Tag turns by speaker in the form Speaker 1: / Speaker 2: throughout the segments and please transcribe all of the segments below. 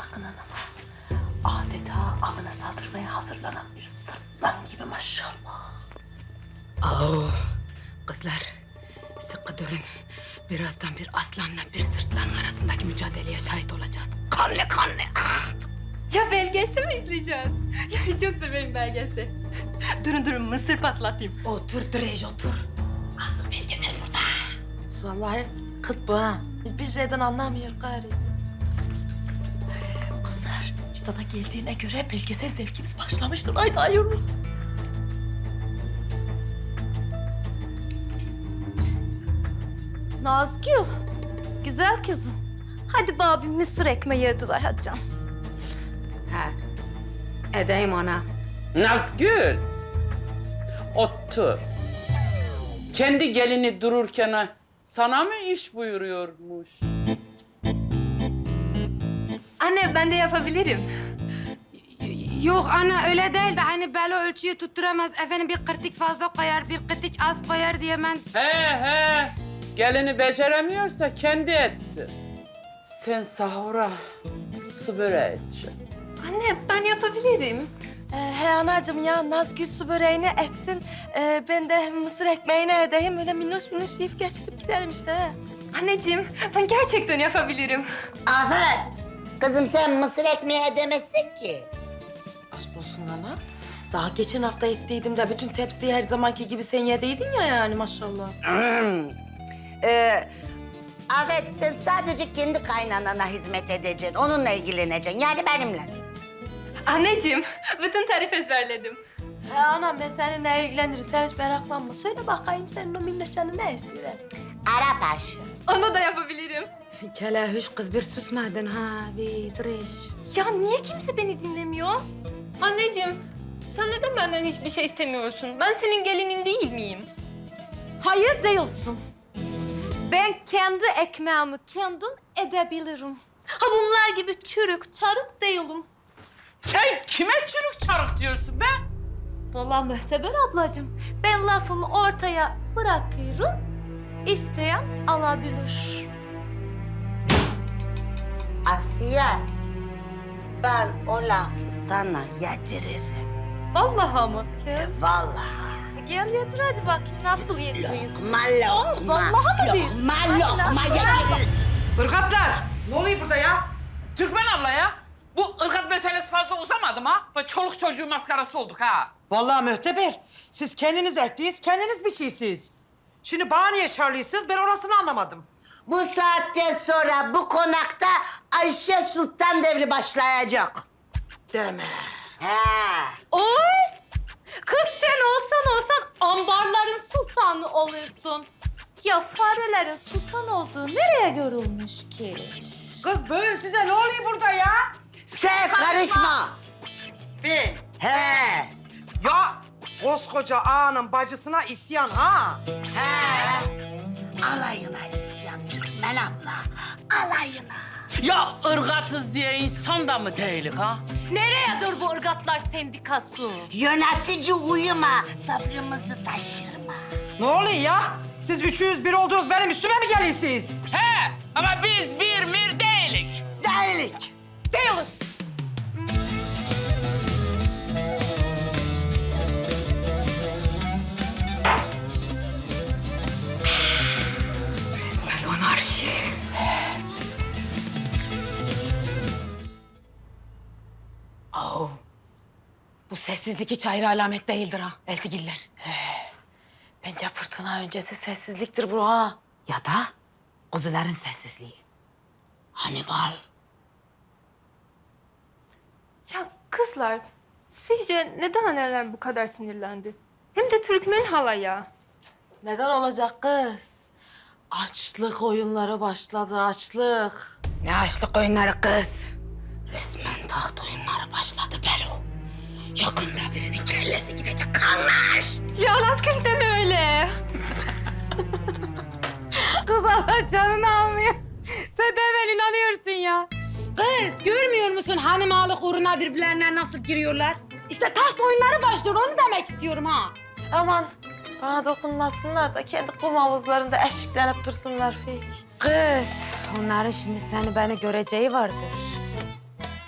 Speaker 1: bakın anama. Adeta avına saldırmaya hazırlanan bir sırtlan gibi maşallah.
Speaker 2: Oh, kızlar sıkı durun. Birazdan bir aslanla bir sırtlanın arasındaki mücadeleye şahit olacağız. Kanlı kanlı.
Speaker 3: Ya belgesel mi izleyeceğiz? Ya çok severim belgesel. Durun mısır patlatayım.
Speaker 2: Otur Drej otur. Asıl belgesel burada.
Speaker 1: Vallahi kıt bu ha. Hiçbir şeyden anlamıyor gari. Kızlar, çıtada geldiğine göre belgesel zevkimiz başlamıştır. Haydi hayırlı olsun.
Speaker 3: Nazgül, güzel kızım. Hadi bana bir mısır ekmeği yediler hadi canım.
Speaker 2: Ha. Edeyim ana.
Speaker 4: Nazgül. Otur. Kendi gelini dururken sana mı iş buyuruyormuş?
Speaker 3: Anne ben de yapabilirim.
Speaker 2: Yok ana öyle değil de hani Belo ölçüyü tutturamaz. Efendim bir kırtık fazla koyar, bir kırtık az koyar diye ben...
Speaker 4: He. Gelini beceremiyorsa kendi etsin. Sen sahura su böreği edeceksin.
Speaker 3: Anne ben yapabilirim.
Speaker 1: He anacığım ya Nazgül su böreğini etsin. Ben de mısır ekmeğini edeyim. Öyle minnoş minnoş yiyip geçirip gidelim işte. He.
Speaker 3: Anneciğim ben gerçekten yapabilirim.
Speaker 5: Afet, kızım sen mısır ekmeği edemezsin ki.
Speaker 1: Aşk olsun ana. Daha geçen hafta ettiydim de bütün tepsiyi her zamanki gibi sen yediydin ya yani maşallah.
Speaker 5: Afet sen sadece kendi kaynanana hizmet edeceksin, onunla ilgileneceksin. Yani benimle.
Speaker 3: Anneciğim bütün tarif ezberledim.
Speaker 1: He anam ben seninle ilgilenirim. Sen hiç meraklanma. Söyle bakayım senin o minnoş canın ne istiyor? He?
Speaker 5: Arap aşı.
Speaker 3: Onu da yapabilirim.
Speaker 2: Kelehüş kız bir susmadın ha bir Drej.
Speaker 3: Ya niye kimse beni dinlemiyor? Anneciğim sen neden benden hiçbir şey istemiyorsun? Ben senin gelinin değil miyim?
Speaker 1: Hayır değilsin.
Speaker 3: Ben kendi ekmeğimi kendim edebilirim. Ha bunlar gibi çürük, çarık değilim.
Speaker 4: Sen kime çürük çarık diyorsun be?
Speaker 3: Vallahi Mühteber ablacığım, ben lafımı ortaya bırakıyorum. İsteyen alabilir.
Speaker 5: Asiye, ben o lafı sana yediririm.
Speaker 3: Vallahi mı kız?
Speaker 5: Vallahi.
Speaker 3: Gel yedir hadi bakayım nasıl yediriyorsun.
Speaker 5: Lokma lokma.
Speaker 3: vallahi mi diyorsun?
Speaker 5: Lokma yediririm.
Speaker 6: Irgatlar! Ne oluyor burada ya?
Speaker 4: Türkmen abla ya. Bu ırgat meselesi fazla uzamadı mı ha? Böyle çoluk çocuğu maskarası olduk ha.
Speaker 6: Vallahi Mühteber, siz kendiniz ekliyiz, kendiniz biçiysiniz. Şimdi bana niye şarlıyısınız, ben orasını anlamadım.
Speaker 5: Bu saatten sonra bu konakta Ayşe Sultan devri başlayacak.
Speaker 6: Deme.
Speaker 5: He.
Speaker 3: Oy! Kız sen olsan ambarların sultanı olursun. Ya farelerin sultan olduğu nereye görülmüş ki?
Speaker 6: Kız böyle size ne oluyor burada ya?
Speaker 5: Sen karışma.
Speaker 6: Ben.
Speaker 5: He.
Speaker 6: Ya koskoca ağanın bacısına isyan ha?
Speaker 5: He. Alayına isyan Türkmen abla. Alayına.
Speaker 4: Ya ırgatız diye insan da mı değilik ha?
Speaker 3: Nereye dur bu ırgatlar sendikası?
Speaker 5: Yönetici uyuma. Sabrımızı taşırma.
Speaker 6: Ne oluyor ya? Siz 301 oldunuz, benim üstüme mi geliyorsunuz?
Speaker 4: He ama biz bir mir değilik.
Speaker 5: Değilik.
Speaker 3: Değiliz.
Speaker 2: Monarşi. Oh. Bu sessizlik hiç hayra alamet değildir ha eltigiller.
Speaker 1: Bence fırtına öncesi sessizliktir bu ha.
Speaker 2: Ya da kuzuların sessizliği. Hannibal.
Speaker 3: Ya kızlar, sizce neden anneler bu kadar sinirlendi? Hem de Türkmen halaya.
Speaker 1: Neden olacak kız? Açlık oyunları başladı, açlık.
Speaker 2: Ne açlık oyunları kız. Resmen taht oyunları başladı Belo. Yakında birinin kellesi gidecek kanlar.
Speaker 3: Ya Nazgül deme öyle.
Speaker 2: Kız Allah canını almıyor. Sen de hemen inanıyorsun ya. Kız görmüyor musun hanimalık uğruna birbirlerine nasıl giriyorlar? İşte taht oyunları başlıyor onu demek istiyorum ha.
Speaker 1: Aman bana dokunmasınlar da kendi kum havuzlarında eşiklenip dursunlar.
Speaker 2: Kız onların şimdi seni beni göreceği vardır.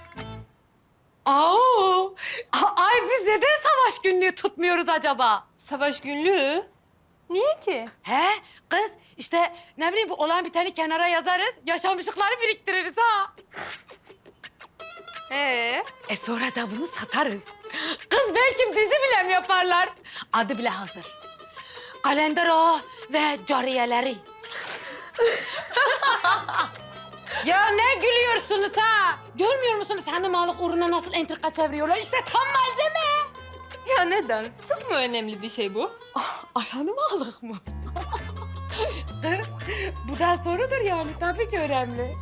Speaker 2: Aa, ay biz neden savaş günlüğü tutmuyoruz acaba?
Speaker 3: Savaş günlüğü? Niye ki?
Speaker 2: He kız işte ne bileyim bu olan biteni kenara yazarız, yaşamışlıkları biriktiririz ha. Sonra da bunu satarız. Kız belki dizi bile mi yaparlar? Adı bile hazır. Kalender Ağa ve cariyeleri. Ya ne gülüyorsunuz ha? Görmüyor musunuz hanımalık uğruna nasıl entrika çeviriyorlar? İşte tam malzeme.
Speaker 3: Ya neden? Çok mu önemli bir şey bu?
Speaker 2: Ay hanımalık mı? Bu da sorudur yani. Tabii ki önemli.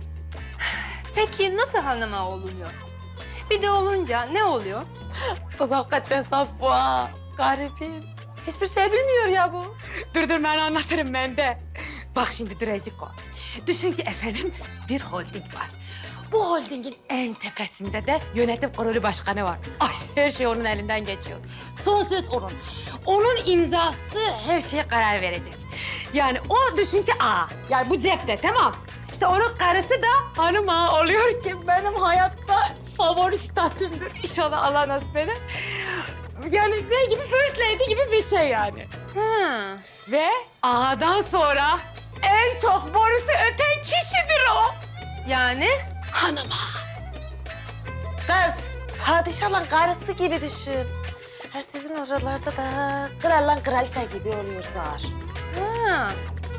Speaker 3: Peki nasıl hanıma oluyor? Bir de olunca ne oluyor?
Speaker 1: Kız hakikaten saf bu ha. Garibim. Hiçbir şey bilmiyor ya bu.
Speaker 2: Dur ben anlatırım ben de. Bak şimdi Dreciko. Düşün ki efendim bir holding var. Bu holdingin en tepesinde de yönetim kurulu başkanı var. Ay her şey onun elinden geçiyor. Son söz onun. Onun imzası her şeye karar verecek. Yani o düşün ki yani bu cepte tamam. İşte onun karısı da hanım ağa oluyor ki benim hayatta favori statümdür. İnşallah Allah nasip eder. Yani ne gibi first lady gibi bir şey yani. Ve ağadan sonra en çok borusu öten kişidir o.
Speaker 3: Yani?
Speaker 2: Hanım ağa.
Speaker 1: Kız, padişahın karısı gibi düşün. Ha, sizin oralarda da kralla kraliçe gibi oluyor zar.
Speaker 3: Ha.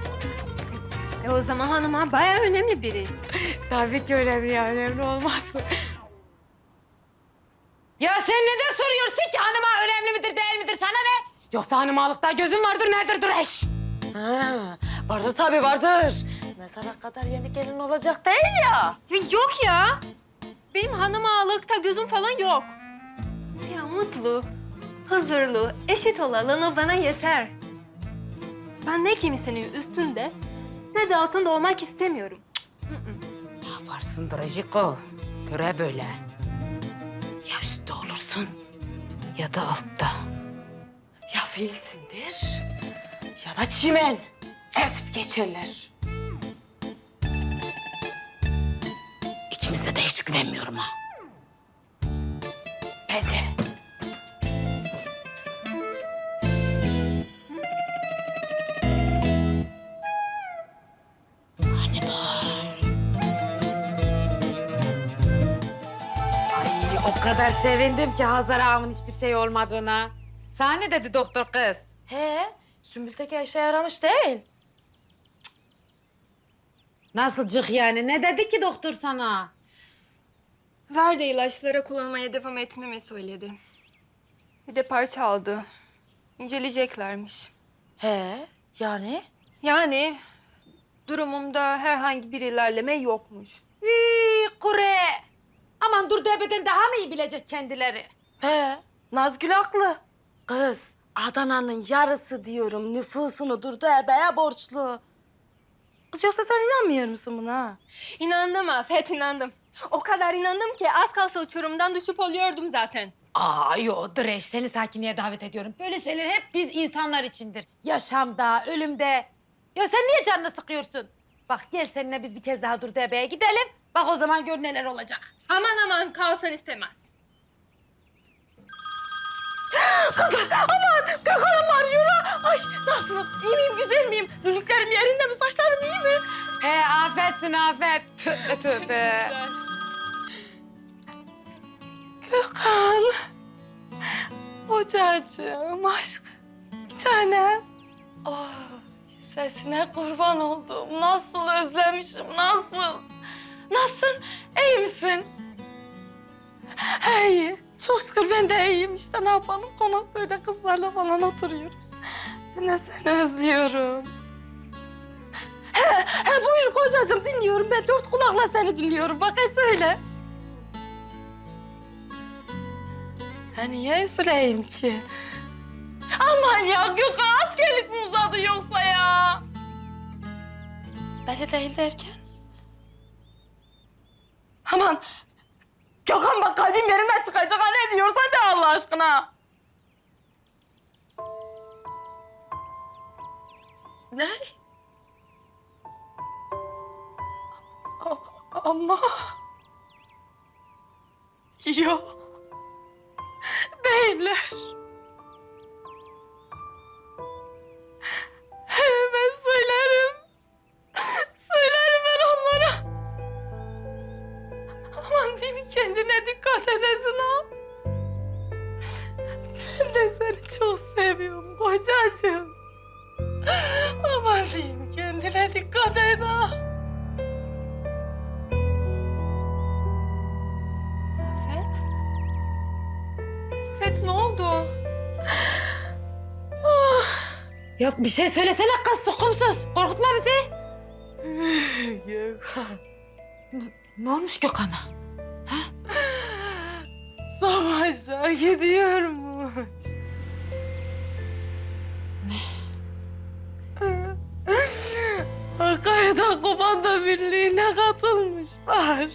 Speaker 3: O zaman hanıma bayağı önemli biri.
Speaker 2: Tabii ki önemli ya, önemli olmaz mı? Ya sen neden soruyorsun ki hanım ağa önemli midir değil midir sana ne? Yoksa hanım ağalıkta gözün vardır nedir Dureş?
Speaker 1: Ha, vardır tabii vardır. Mezara kadar yeni gelin olacak değil ya.
Speaker 3: Yok ya. Benim hanım ağalıkta gözüm falan yok. Ya mutlu, huzurlu, eşit olalım bana yeter. Ben ne kimsenin üstünde ne de altında olmak istemiyorum.
Speaker 2: Ne yaparsın Drajiko? Töre böyle. Ya üstte olursun ya da altta.
Speaker 1: Ya filsindir ya da çimen. Ezip geçerler.
Speaker 2: İkinize de hiç güvenmiyorum ha.
Speaker 1: Ben de.
Speaker 2: Hani var. Ay o kadar sevindim ki Hazar ağamın hiçbir şey olmadığına. Sana ne dedi doktor kız?
Speaker 1: He, Sümbül'deki işe yaramış değil.
Speaker 2: Nasılcık yani? Ne dedi ki doktor sana?
Speaker 3: Ver de ilaçlara kullanmaya devam etmemi söyledi. Bir de parça aldı. İnceleyeceklermiş.
Speaker 1: He, yani?
Speaker 3: Yani durumumda herhangi bir ilerleme yokmuş.
Speaker 2: Kure. Aman dur debeden daha mı iyi bilecek kendileri?
Speaker 1: He, Nazgül haklı. Kız, Adana'nın yarısı diyorum nüfusunu Durdu Ebe'ye borçlu. Kız yoksa sen inanmıyor musun buna?
Speaker 3: İnandım Afet, inandım. O kadar inandım ki az kalsa uçurumdan düşüp oluyordum zaten.
Speaker 2: Yo Dreş seni sakinliğe davet ediyorum. Böyle şeyler hep biz insanlar içindir. Yaşamda, ölümde. Ya sen niye canını sıkıyorsun? Bak gel seninle biz bir kez daha Durdu Ebe'ye gidelim. Bak o zaman gör neler olacak.
Speaker 3: Aman kalsan istemez.
Speaker 1: Gökhan'ım arıyor ha. Ay nasıl? İyi miyim, güzel miyim? Lülüklerim yerinde mi, saçlarım iyi mi?
Speaker 2: He afetsin afet. Tövbe tövbe.
Speaker 1: Gökhan. Hocacığım, aşk. Bir tanem. Oh, sesine kurban oldum. Nasıl özlemişim, nasıl? Nasılsın? İyi misin? İyi. Çok şükür ben de iyiyim. İşte ne yapalım? Konak böyle kızlarla falan oturuyoruz. Ben de seni özlüyorum. He buyur kocacığım dinliyorum. Ben dört kulakla seni dinliyorum. Bakayım söyle. Ha niye üzüleyim ki? Aman ya Gökhan askerlik mi uzadı yoksa ya? Belli değil derken? Aman Gökhan bak kalbim yerimden çıkacak. Ha ne diyorsan de Allah aşkına. Ne? Ama... Yok. Değiller. Ben söylerim. Söylerim ben onlara. Aman diyeyim kendine dikkat edesin ha. Ben de seni çok seviyorum kocacığım. Aman diyeyim kendine dikkat et ha.
Speaker 3: Afet? Afet ne oldu?
Speaker 2: Ya bir şey söylesene kız sokumsuz. Korkutma bizi.
Speaker 1: Gökhan.
Speaker 2: Ne olmuş Gökhan'a?
Speaker 1: Savaşa gidiyormuş. Hakkari'den komando birliğine katılmışlar.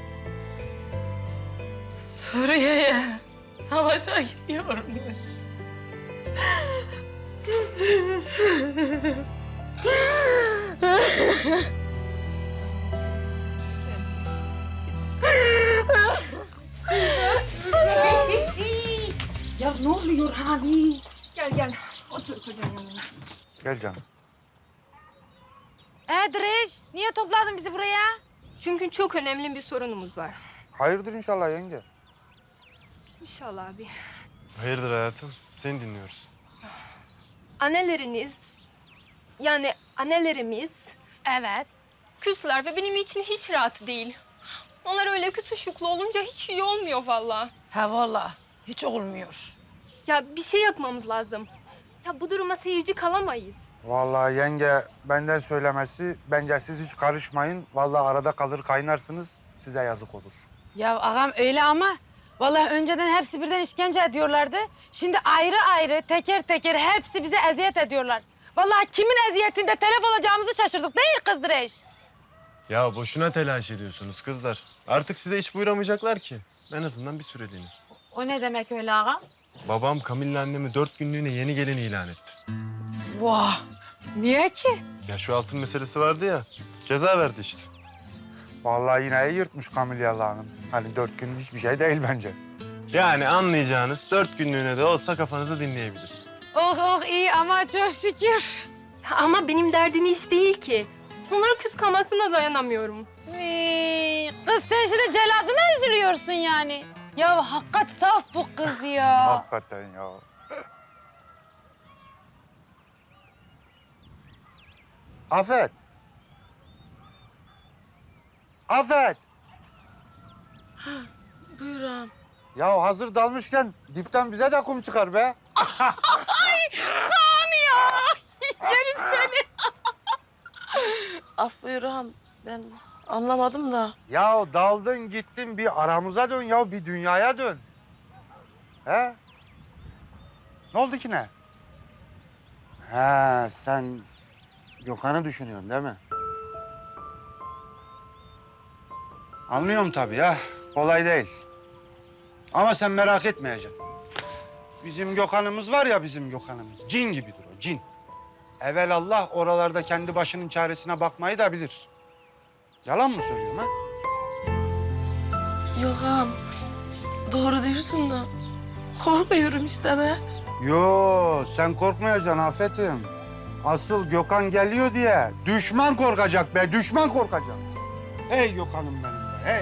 Speaker 1: Suriye'ye savaşa gidiyormuş.
Speaker 2: Ya ne oluyor abi?
Speaker 3: Gel gel. Otur kocanın yanına.
Speaker 7: Gel canım.
Speaker 2: Direş, niye topladın bizi buraya?
Speaker 3: Çünkü çok önemli bir sorunumuz var.
Speaker 7: Hayırdır inşallah yenge.
Speaker 3: İnşallah abi.
Speaker 8: Hayırdır hayatım? Seni dinliyoruz.
Speaker 3: Anneleriniz, yani annelerimiz
Speaker 2: Evet.
Speaker 3: küsler ve benim için hiç rahat değil. Onlar öyle küsüşüklü olunca hiç iyi olmuyor vallahi.
Speaker 2: Ha vallahi hiç olmuyor.
Speaker 3: Ya bir şey yapmamız lazım. Ya bu duruma seyirci kalamayız.
Speaker 7: Vallahi yenge benden söylemesi bence siz hiç karışmayın. Vallahi arada kalır kaynarsınız size yazık olur.
Speaker 2: Ya ağam öyle ama vallahi önceden hepsi birden işkence ediyorlardı. Şimdi ayrı ayrı teker teker hepsi bize eziyet ediyorlar. Vallahi kimin eziyetinde telef olacağımızı şaşırdık değil kız Direş?
Speaker 8: Ya boşuna telaş ediyorsunuz kızlar. Artık size hiç buyuramayacaklar ki. En azından bir süreliğine.
Speaker 2: O ne demek öyle ağam?
Speaker 8: Babam Kamil'le annemi 4 günlüğüne yeni gelin ilan etti.
Speaker 2: Vah! Niye ki?
Speaker 8: Ya şu altın meselesi vardı ya, ceza verdi işte.
Speaker 7: Vallahi yine iyi yırtmış Kamilyalı Hanım. Hani 4 gün hiçbir şey değil bence.
Speaker 8: Yani anlayacağınız 4 günlüğüne de olsa kafanızı dinleyebiliriz.
Speaker 2: Oh oh iyi ama çok şükür.
Speaker 3: Ama benim derdim iş değil ki. Onların küs kalmasına dayanamıyorum.
Speaker 2: Kız sen şimdi celadına üzülüyorsun yani. Ya hakikat saf bu kız ya.
Speaker 7: Hakikaten ya. Afet. Afet.
Speaker 1: Buyur ağam.
Speaker 7: Ya hazır dalmışken dipten bize de kum çıkar be.
Speaker 1: Af buyur ağam. Ben anlamadım da.
Speaker 7: Ya daldın gittin bir aramıza dön ya bir dünyaya dön. He? Ne oldu ki ne? He sen Gökhan'ı düşünüyorsun değil mi? Anlıyorum tabii ya. Kolay değil. Ama sen merak etmeyeceksin. Bizim Gökhan'ımız var ya bizim Gökhan'ımız. Cin gibidir o cin. Evelallah oralarda kendi başının çaresine bakmayı da bilir. Yalan mı söylüyorum ha?
Speaker 1: Yok ağam. Doğru diyorsun da. Korkuyorum işte be.
Speaker 7: Yo sen korkmayacaksın Afet'im. Asıl Gökhan geliyor diye düşman korkacak be, düşman korkacak. Hey Gökhan'ım benim be, hey.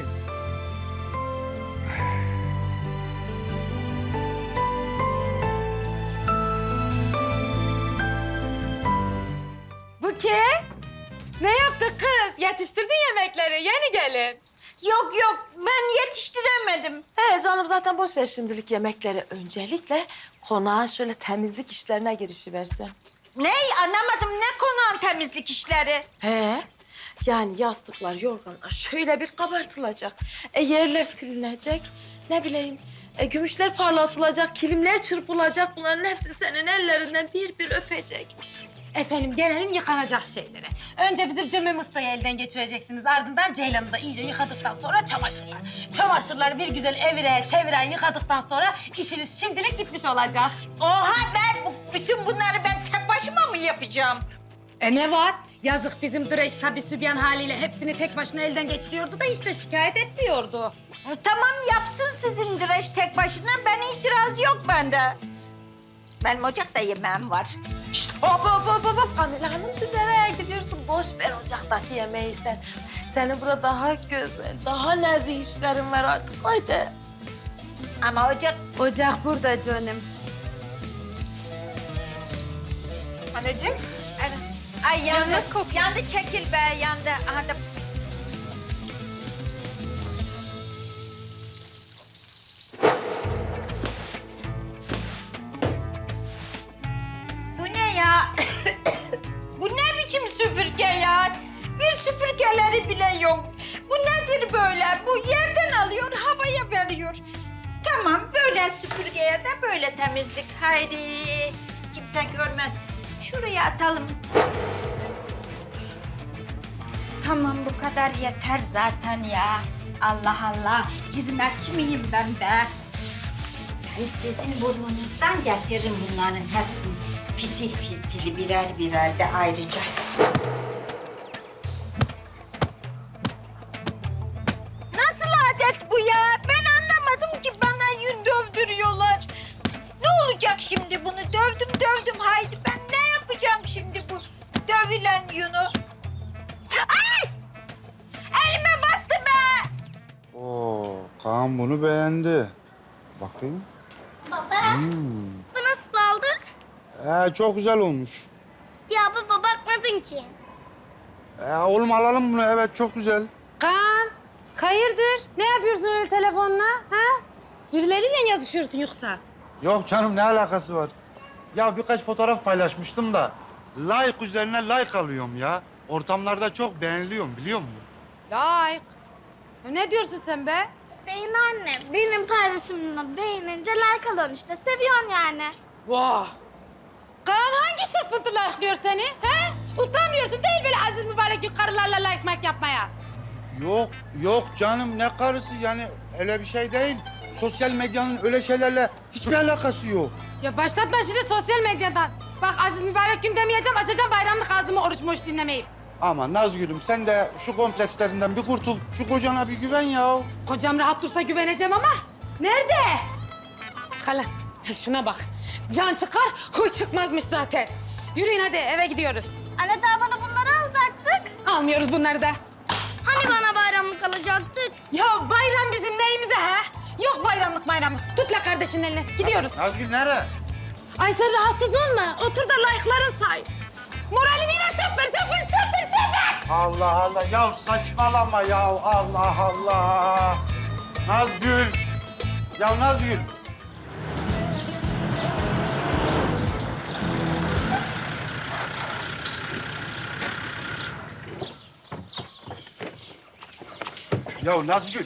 Speaker 2: Buke, ne yaptın kız? Yetiştirdin yemekleri, yeni gelin.
Speaker 5: Yok yok ben yetiştiremedim.
Speaker 1: Canım zaten boş ver şimdilik yemekleri. Öncelikle konağa şöyle temizlik işlerine girişiversen.
Speaker 5: Ney anlamadım ne konağın temizlik işleri?
Speaker 1: Yani yastıklar, yorganlar şöyle bir kabartılacak. Yerler silinecek. Ne bileyim, gümüşler parlatılacak, kilimler çırpılacak. Bunların hepsi senin ellerinden bir bir öpecek.
Speaker 2: Efendim gelelim yıkanacak şeylere. Önce bizim Cemil Usta'yı elden geçireceksiniz. Ardından Ceylan'ı da iyice yıkadıktan sonra çamaşırlar. Çamaşırları bir güzel evire çevire yıkadıktan sonra işiniz şimdilik bitmiş olacak.
Speaker 5: Oha ben bütün bunları ben tek başıma mı yapacağım?
Speaker 2: Ne var? Yazık bizim Direş tabi sübyan haliyle hepsini tek başına elden geçiriyordu da işte şikayet etmiyordu.
Speaker 5: Tamam yapsın sizin direş tek başına. Ben itiraz yok bende. Benim ocakta yemeğim var.
Speaker 1: Şşt, hop. Kamila Hanım siz nereye gidiyorsun? Boş ver ocaktaki yemeği sen. Senin burada daha güzel, daha nezih işlerin var artık. Haydi.
Speaker 5: Ama ocak...
Speaker 2: Ocak burada canım.
Speaker 3: Anneciğim.
Speaker 5: Ay yandı.
Speaker 3: Yanık kokuyor.
Speaker 5: Yandı çekil be yandı. Aha da... Bu ne ya? Bu ne biçim süpürge ya? Bir süpürgeleri bile yok. Bu nedir böyle? Bu yerden alıyor, havaya veriyor. Tamam, böyle süpürgeye de böyle temizlik. Haydi, kimse görmez. Şuraya atalım. Tamam, bu kadar yeter zaten ya. Allah Allah, hizmetçi miyim ben be? Ben sizin burnunuzdan getiririm bunların hepsini. Fitil fitili birer birer de ayrıca. Nasıl adet bu ya? Ben anlamadım ki bana yün dövdürüyorlar. Ne olacak şimdi bunu? Dövdüm. Haydi ben ne yapacağım şimdi bu dövülen yünü? Ay! Elime battı be!
Speaker 7: Oo, Kaan bunu beğendi. Bakayım.
Speaker 9: Baba, bu nasıl oldu?
Speaker 7: Çok güzel olmuş.
Speaker 9: Ya baba bakmadın ki.
Speaker 7: Oğlum alalım bunu. Evet, çok güzel.
Speaker 2: Kaan, hayırdır? Ne yapıyorsun öyle telefonla? Ha? Birileriyle yazışıyorsun yoksa?
Speaker 7: Yok canım, ne alakası var? Ya birkaç fotoğraf paylaşmıştım da like üzerine like alıyorum ya. Ortamlarda çok beğeniliyorum, biliyor musun?
Speaker 2: Like. Ya ne diyorsun sen be?
Speaker 9: Beyin anne, benim paylaşımımı beğenince like alıyorsun işte. Seviyorsun yani.
Speaker 2: Vah! Kaan hangi şırfıntı like'lıyor seni? He? Utanmıyorsun değil böyle aziz mübarek gün karılarla like mak yapmaya.
Speaker 7: Yok canım, ne karısı yani, öyle bir şey değil. Sosyal medyanın öyle şeylerle hiçbir alakası yok.
Speaker 2: Ya başlatma şimdi sosyal medyadan. Bak aziz mübarek gün demeyeceğim, açacağım bayramlık ağzımı oruç moş dinlemeyip.
Speaker 7: Ama Nazgül'üm sen de şu komplekslerinden bir kurtul. Şu kocana bir güven ya.
Speaker 2: Kocam rahat dursa güveneceğim ama nerede? Çıkar lan. Şuna bak. Can çıkar, huy çıkmazmış zaten. Yürüyün hadi eve gidiyoruz.
Speaker 9: Anne daha bana bunları alacaktık.
Speaker 2: Almıyoruz bunları da.
Speaker 9: Hani bana bayramlık alacaktık?
Speaker 2: Ya bayram bizim neyimize ha? Yok bayramlık. Tut la kardeşinin elini. Gidiyoruz.
Speaker 7: Nazgül nereye?
Speaker 2: Ay sen rahatsız olma. Otur da like'ların say. Moralim yine sıfır.
Speaker 7: Allah ya saçmalama ya, Allah. Nazgül. Ya Nazgül. Ya Nazgül.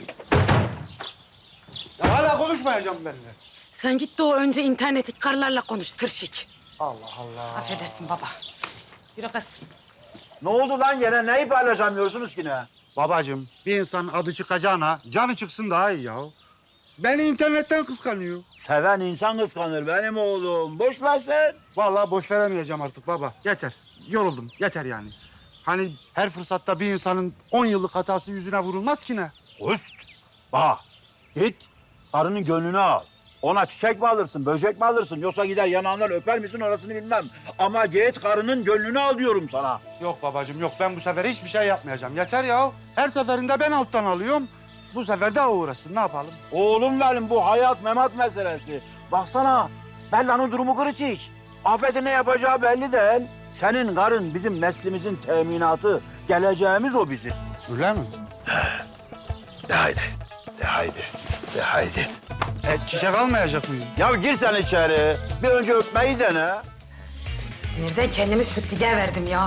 Speaker 7: Ya hala konuşmayacağım benimle.
Speaker 2: Sen git de o önce internetik karılarla konuş tırşik.
Speaker 7: Allah Allah.
Speaker 2: Affedersin baba. Yürü kız.
Speaker 10: Ne oldu lan gene? Neyi paylaşamıyorsunuz ki ne?
Speaker 7: Babacığım, bir insanın adı çıkacağına canı çıksın daha iyi ya. Beni internetten kıskanıyor.
Speaker 10: Seven insan kıskanır benim oğlum. Boş ver sen.
Speaker 7: Vallahi boş veremeyeceğim artık baba. Yeter. Yoruldum. Yeter yani. Hani her fırsatta bir insanın 10 yıllık hatası yüzüne vurulmaz ki ne?
Speaker 10: Üst. Bak git karının gönlünü al. Ona çiçek mi alırsın, böcek mi alırsın? Yoksa gider yanağından öper misin orasını bilmem. Ama git karının gönlünü al diyorum sana.
Speaker 7: Yok babacığım yok. Ben bu sefer hiçbir şey yapmayacağım. Yeter ya. Her seferinde ben alttan alıyorum. Bu sefer de o uğraşsın. Ne yapalım?
Speaker 10: Oğlum benim bu hayat memat meselesi. Baksana Bella'nın durumu kritik. Afet'e ne yapacağı belli değil. Senin karın bizim neslimizin teminatı. Geleceğimiz o bizim.
Speaker 7: Öyle mi?
Speaker 10: De haydi. De haydi. De haydi.
Speaker 7: Çiçek almayacak mıyım?
Speaker 10: Ya gir sen içeri. Bir önce öpmeyi dene.
Speaker 2: Sinirden kendimi şu dige verdim ya.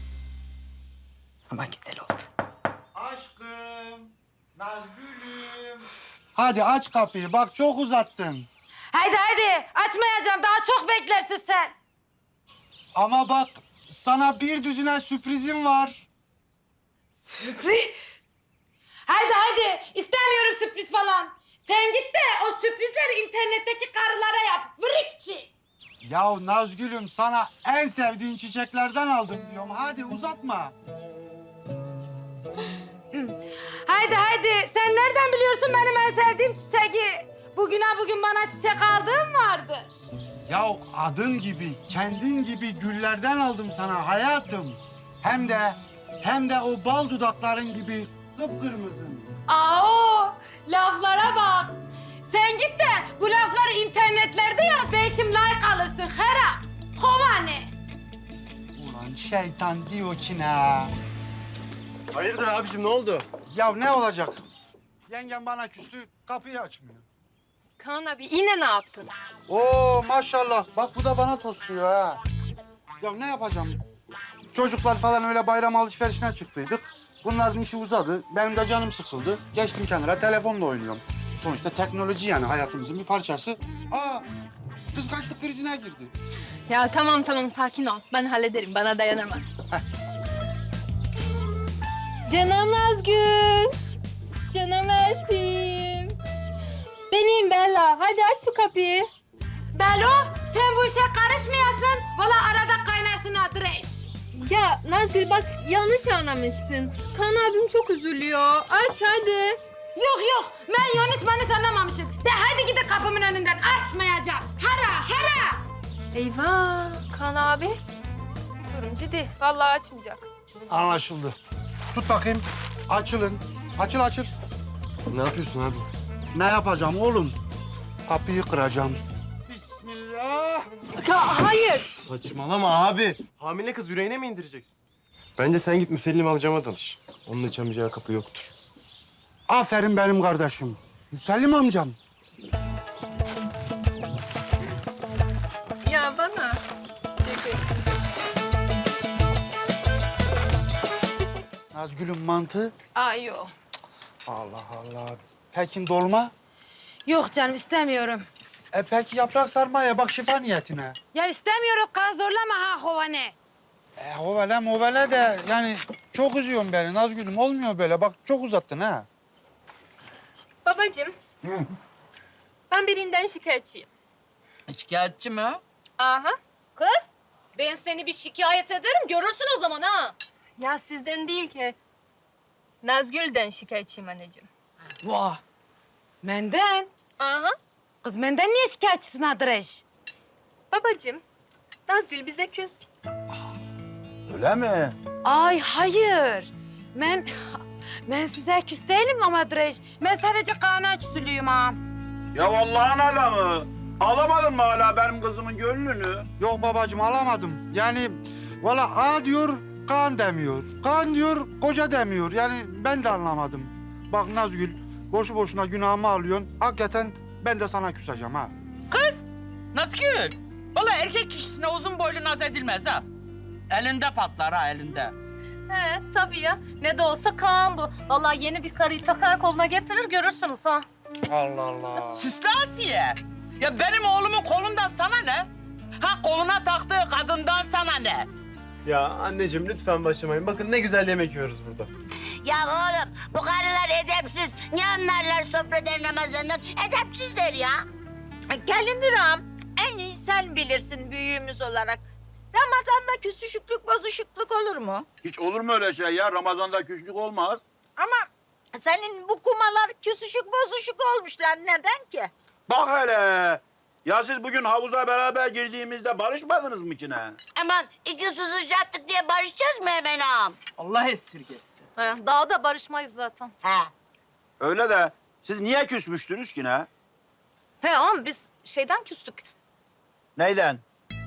Speaker 2: Ama güzel oldu.
Speaker 7: Aşkım, Nazgül'üm. Hadi aç kapıyı. Bak çok uzattın.
Speaker 2: Haydi açmayacağım daha çok beklersin sen.
Speaker 7: Ama bak sana bir düzine sürprizim var.
Speaker 2: Sürpriz? Haydi istemiyorum sürpriz falan. Sen git de o sürprizleri internetteki karılara yap. Vrikçi.
Speaker 7: Ya Nazgül'üm sana en sevdiğin çiçeklerden aldım diyorum. Hadi uzatma.
Speaker 2: Haydi. Sen nereden biliyorsun benim en sevdiğim çiçeği? Bugün bana çiçek aldığın vardır.
Speaker 7: Ya adın gibi, kendin gibi güllerden aldım sana hayatım. Hem de o bal dudakların gibi kıpkırmızı.
Speaker 2: Aa, laflara bak. Sen git de bu lafları internetlerde yaz. Belki like alırsın. Hera, hovane.
Speaker 7: Ulan şeytan diyor ki ne?
Speaker 8: Hayırdır abicim ne oldu?
Speaker 7: Ya ne olacak? Yengem bana küstü, kapıyı açmıyor.
Speaker 3: Kaan abi yine ne yaptın?
Speaker 7: Oo maşallah. Bak bu da bana tosluyor ha. Ya ne yapacağım? Çocuklar falan öyle bayram alışverişine çıktıydık. Bunların işi uzadı. Benim de canım sıkıldı. Geçtim kenara telefonla oynuyorum. Sonuçta teknoloji yani hayatımızın bir parçası. Aa kıskançlık krizine girdi.
Speaker 3: Ya tamam sakin ol. Ben hallederim. Bana dayanamaz. Canım Nazgül. Canım Eltim. Benim Bella. Hadi aç şu kapıyı.
Speaker 2: Belo, sen bu işe karışmayasın. Vallahi arada kaynarsın adreş.
Speaker 3: Ya Nazgül bak yanlış anlamışsın. Kaan abim çok üzülüyor. Aç hadi.
Speaker 2: Yok, ben yanlış anlamamışım. De hadi gidin kapımın önünden, açmayacağım. Hera.
Speaker 3: Eyvah Kaan abi. Durum ciddi. Vallahi açmayacak.
Speaker 7: Anlaşıldı. Tut bakayım. Açılın. Açıl.
Speaker 8: Ne yapıyorsun abi?
Speaker 7: Ne yapacağım oğlum? Kapıyı kıracağım. Bismillah.
Speaker 3: Hayır.
Speaker 8: Saçmalama abi. Hamile kız yüreğine mi indireceksin? Bence sen git Müsellim amcama danış. Onun açamayacağı kapı yoktur.
Speaker 7: Aferin benim kardeşim. Müsellim amcam.
Speaker 3: Ya bana.
Speaker 7: Nazgül'ün mantı.
Speaker 2: Ay yok.
Speaker 7: Allah Allah. Pekin dolma.
Speaker 2: Yok canım istemiyorum.
Speaker 7: Peki yaprak sarmaya bak şifa niyetine.
Speaker 2: Ya istemiyorum, kan zorlama ha hovane.
Speaker 7: Hovele de yani çok üzüyorsun beni Nazgül'üm. Olmuyor böyle. Bak çok uzattın ha.
Speaker 3: Babacığım. Ben birinden şikayetçiyim.
Speaker 4: Şikayetçi mi?
Speaker 3: Aha.
Speaker 2: Kız, ben seni bir şikayet ederim, görürsün o zaman ha.
Speaker 3: Ya sizden değil ki. Nazgül'den şikayetçiyim anneciğim.
Speaker 2: Vah. Menden.
Speaker 3: Aha.
Speaker 2: Kız benden niye şikayetçisin adreş?
Speaker 3: Babacığım, Nazgül bize küs.
Speaker 10: Öyle mi?
Speaker 2: Ay hayır. Ben size küs değilim ama adreş. Ben sadece Kaan'a küsülüyüm ha.
Speaker 10: Ya Allah'ın adamı. Alamadın mı hala benim kızımın gönlünü?
Speaker 7: Yok babacığım alamadım. Yani valla A diyor Kaan demiyor. Kaan diyor koca demiyor. Yani ben de anlamadım. Bak Nazgül boşu boşuna günahımı alıyorsun. Hakikaten ben de sana küseceğim ha.
Speaker 4: Kız, Nazgül. Vallahi erkek kişisine uzun boylu naz edilmez ha. Elinde patlar ha, elinde.
Speaker 3: He tabii ya. Ne de olsa Kaan bu. Vallahi yeni bir karıyı takar koluna getirir görürsünüz ha.
Speaker 7: Allah Allah.
Speaker 4: Süslü Asiye. Ya benim oğlumun kolundan sana ne? Ha koluna taktığı kadından sana ne?
Speaker 8: Ya anneciğim lütfen başlamayın. Bakın ne güzel yemek yiyoruz burada.
Speaker 5: Ya oğlum bu karılar edepsiz. Ne anlarlar sofradan Ramazan'dan? Edepsizler ya. Gelindir ağam. En iyi sen bilirsin büyüğümüz olarak. Ramazan'da küsüşüklük, bozuşukluk olur mu?
Speaker 10: Hiç olur mu öyle şey ya? Ramazan'da küslük olmaz.
Speaker 5: Ama senin bu kumalar küsüşük, bozuşuk olmuşlar. Neden ki?
Speaker 10: Bak hele. Ya siz bugün havuza beraber girdiğimizde barışmadınız mı ki ne?
Speaker 5: Aman iki susuzcattık diye barışacağız mı hemen ağam?
Speaker 4: Allah esirgesin.
Speaker 3: He, daha da barışmayız zaten.
Speaker 5: He.
Speaker 10: Öyle de siz niye küsmüştünüz ki ne?
Speaker 3: He oğlum biz şeyden küstük.
Speaker 10: Neyden?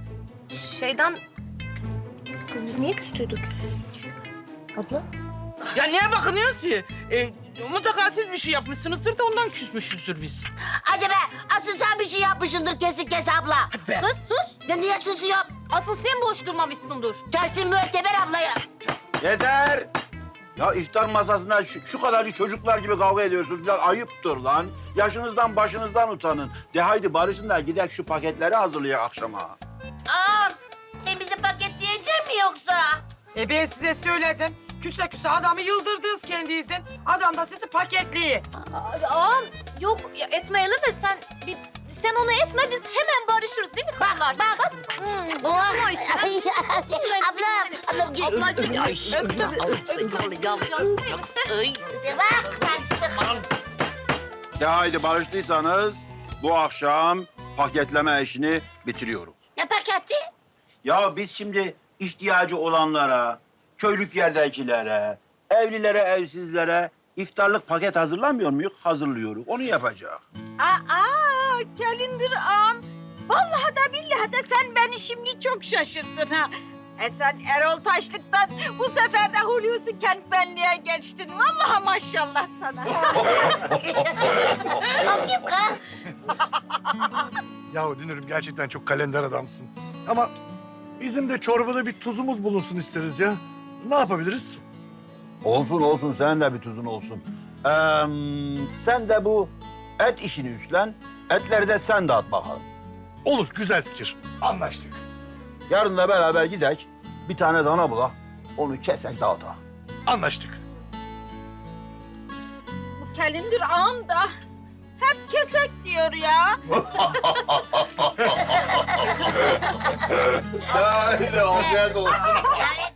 Speaker 3: Kız biz niye küstüydük? Abla?
Speaker 4: Ya niye bakınıyorsun ki? Mutlaka siz bir şey yapmışsınızdır da ondan küsmüşüzdür biz.
Speaker 5: Hadi be asıl sen bir şey yapmışsındır kesin kes abla.
Speaker 4: Be.
Speaker 3: Kız sus.
Speaker 5: Ya niye susuyor?
Speaker 3: Asıl sen boş durmamışsındır.
Speaker 5: Gelsin müetteber ablayı.
Speaker 10: Yeter! Ya iftar masasında şu kadarcık çocuklar gibi kavga ediyorsunuz. Biraz ayıptır lan. Yaşınızdan başınızdan utanın. De haydi barışın da gidelim şu paketleri hazırlayalım akşama.
Speaker 5: Ağam sen bizi paketleyecek mi yoksa?
Speaker 6: Ben size söyledim. Küse adamı yıldırdınız kendinizin. Adam da sizi paketliyor.
Speaker 3: Ağam yok ya etmeyelim de sen bir Sen onu etme, biz hemen barışırız değil mi kızlar? Bak.
Speaker 5: Ablam gel.
Speaker 3: Ablacığım, öptüm.
Speaker 10: Ya haydi barıştıysanız bu akşam paketleme işini bitiriyorum.
Speaker 5: Ne paketi?
Speaker 10: Ya biz şimdi ihtiyacı olanlara, köylük yerdekilere, evlilere, evsizlere iftarlık paket hazırlamıyor muyuz? Hazırlıyoruz. Onu yapacak.
Speaker 5: Gelindir ağam. Vallahi da billahi de sen beni şimdi çok şaşırttın ha. Sen Erol Taşlık'tan bu sefer de Hulusi Kentmenli'ye geçtin. Vallahi maşallah sana. O kim ha?
Speaker 11: Yahu Dünür'üm gerçekten çok kalender adamsın. Ama bizim de çorbada bir tuzumuz bulunsun isteriz ya. Ne yapabiliriz?
Speaker 10: Olsun olsun, senin de bir tuzun olsun. Sen de bu et işini üstlen, etleri de sen dağıt bakalım.
Speaker 11: Olur, güzel fikir. Anlaştık.
Speaker 10: Yarın da beraber gidek, bir tane dana bulak, onu kesek dağıtak.
Speaker 11: Anlaştık.
Speaker 5: Bu Gelindir ağam da hep kesek diyor ya.
Speaker 8: Haydi afiyet olsun.